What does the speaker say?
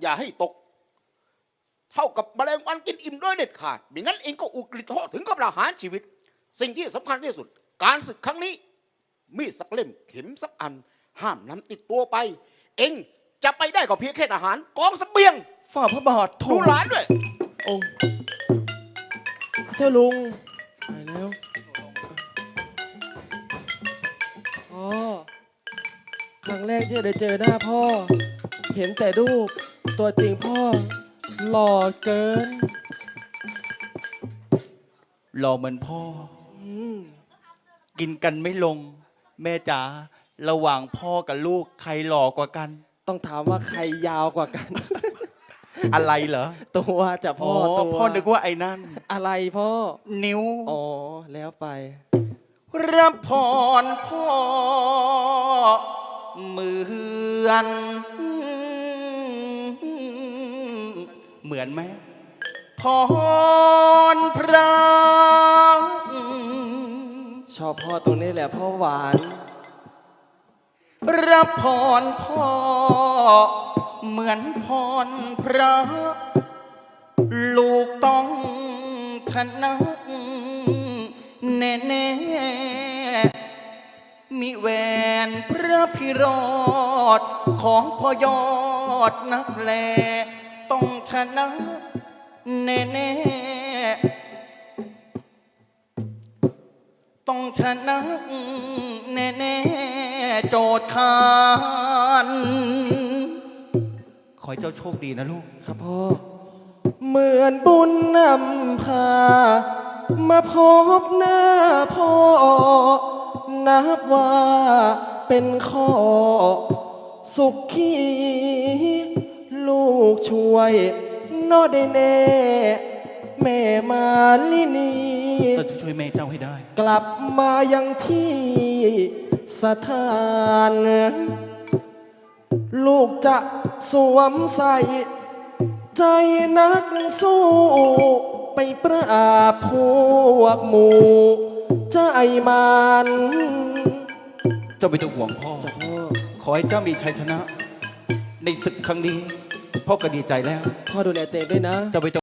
อย่าให้ตกเท่ากับแมลงวันกินอิ่มโดยเด็ดขาดไม่งั้นเองก็อุกฤษโทษถึงกับประหารชีวิตสิ่งที่สำคัญที่สุดการศึกครั้งนี้มีดสักเล่มเข็มสักอันห้ามนำติดตัวไปเองจะไปได้ก็เพียงแค่ทหารกองเสบียงฝ่าพระบาทดูหลานด้วยองค์เจ้าลุงตายแล้วพ่อครั้งแรกที่ได้เจอหน้าพ่อเห็นแต่รูปตัวจริงพ่อหล่อเกินหล่อเหมือนพ่อกินกันไม่ลงแม่จ๋าระหว่างพ่อกับลูกใครหล่อกว่ากันต้องถามว่าใครยาวกว่ากันอะไรเหรอตัวจะพ่อตัวพ่อนึกว่าไอ้นั่นอะไรพ่อนิ้วอ๋อแล้วไปรับพรพ่อเหมือนไหมพรพระชอบพ่อตรงนี้แหละพ่อหวานรับพรพ่อเหมือนพรพระลูกต้องชนะแน่ๆมีแหวนพระพิโรธของพ่อยอดนักแลต้องชนะแน่ๆต้องชนะแน่ๆโจทย์คานขอให้เจ้าโชคดีนะลูกครับพ่อเหมือนบุญนำพามาพบหน้าพ่อนับว่าเป็นข้อสุขขีลูกช่วยนอได้แน่แม่มาลินีจะช่วยแม่เจ้าให้ได้กลับมายังที่สถานลูกจะสวมใส่ใจนักสู้ไปปราบพวกหมู่ใจมันเจ้าไม่ต้องห่วงพ่อขอให้เจ้ามีชัยชนะในศึกครั้งนี้พ่อก็ดีใจแล้วพ่อดูแลเตงด้วยนะจะไป